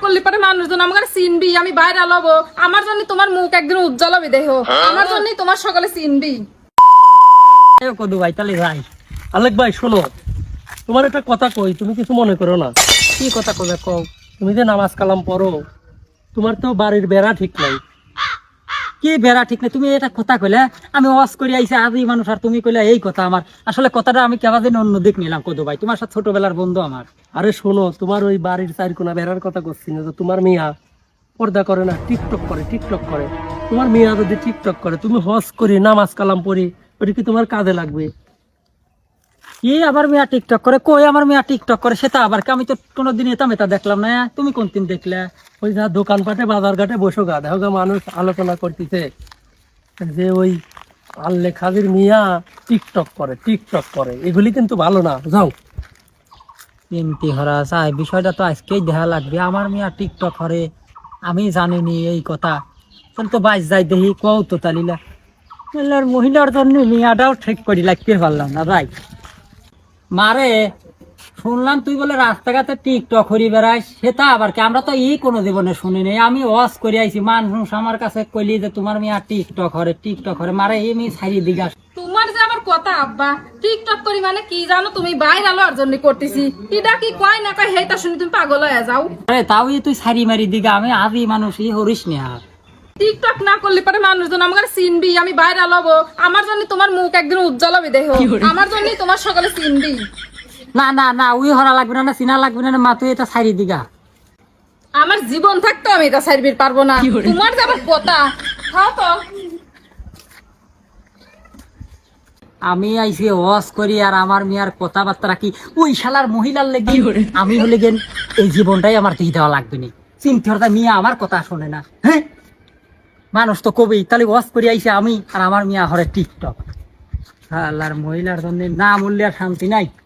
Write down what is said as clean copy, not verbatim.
করলে পারে মানুষজন আমাকে চিনবি, আমি বাইরে লবো, আমার জন্য তোমার মুখ একদিন উজ্জ্বল হবে, দেখো আমার জন্য তোমার সকালে চিনবি। কদু ভাই তাহলে ভাই আলেক ভাই শোনো, তোমার একটা কথা কই, তুমি কিছু মনে করো না। কি কথা কবে কও। তুমি যে নামাজ কালাম পড়ো, তোমার তো বাড়ির বেড়া ঠিক নাই। কি বেড়া ঠিক নেই, তুমি এটা কথা কইলে, আমি ওয়াজ করে আইছি আদি মানুষ আর তুমি কইলে এই কথা। আমার আসলে কথাটা আমি কেবা দিন অন্য দিক নিলাম কদু ভাই, তোমার সাথে ছোটবেলার বন্ধু আমার। আরে শোনো, তোমার ওই বাড়ির চারকোনা বেড়ার কথা করছি না, তো তোমার মিয়া পর্দা করে না, টিকটক করে টিকটক করে। তোমার মিয়া যদি টিকটক করে, তুমি হজ করি নামাজ কালাম পড়ি, ওটা কি তোমার কাজে লাগবে? কি আবার মিয়া টিকটক করে, কই আমার মিয়া টিকটক করে সেটা আবার কি? আমি তো কোনোদিন এটা মেতা দেখলাম না, তুমি কোন দিন দেখলে? ওই যা দোকানপাটে বাজার ঘাটে বসো গা, দেখো গা মানুষ আলোচনা করতেছে যে ওই আল্লে খাদির মিয়া টিকটক করে টিকটক করে, এগুলি কিন্তু ভালো না, যাও। এমতি হরা চাই, বিষয়টা তো আজকেই দেখা লাগবে। আমার মিয়া টিকটক করে, আমি জানিনি এই কথা। তাহলে তো বাইশ যাই দেখি কও তো তালিলা মহিলার জন্য মিয়াটাও ঠিক করি লাগতে পারলাম না ভাই। মারে শুনলাম তুই বলে রাস্তাঘাটে টিকটক করি বেড়াইস, সেটা আবার কি? আমরা তো কোনো জীবনে শুনি নাই। আমি ওয়াজ করে আইছি, মানুষ আমার কাছে কইলি যে তোমার মিয়া টিকটক করে টিকটক করে, মারে এমনি ছাড়ি দিঘা। তোমার যে আবার কথা আব্বা টিকটক করি মানে কি জানো, তুমি বাইরে আলোর জন্য করতেছি, এটা কি কয় না কয় হেটা শুনি তুমি পাগল হয়ে যাও। আরে তাও তুই ছাড়ি মারি দিঘা, আমি আদি মানুষ হরিস নে। টিকটক না করলে পারে মানুষজন আমাকে চিনবি, আমি বাইরে লবো, আমার জন্য তোমার মুখ একদিন উজ্জ্বল হবে, দেখো আমার জন্য তোমার সকালে চিনবি। না না না, উই হরা লাগবে না, চিনা লাগবে না, মা তুই এটা ছাড়ি দিঘা। আমার জীবন থাকতো আমি এটা সার্ভিস পারবো না, তোমার যে আবার কথা। খাও তো। আমি আইসি ওয়াজ করি আর আমার মিয়ার কথাবার্তা কি ওই শালার মহিলার লেগে আমি হলে গেন এই জীবনটাই আমার দিয়ে দেওয়া লাগবে না। চিন্তা হরতা মিয়া আমার কথা শোনে না। হ্যাঁ মানুষ তো কবি, তাহলে ওয়াজ করি আইসে আমি আর আমার মিয়া হরে টিকটক। আল্লাহর মহিলার জন্য না মূল্যের শান্তি নাই।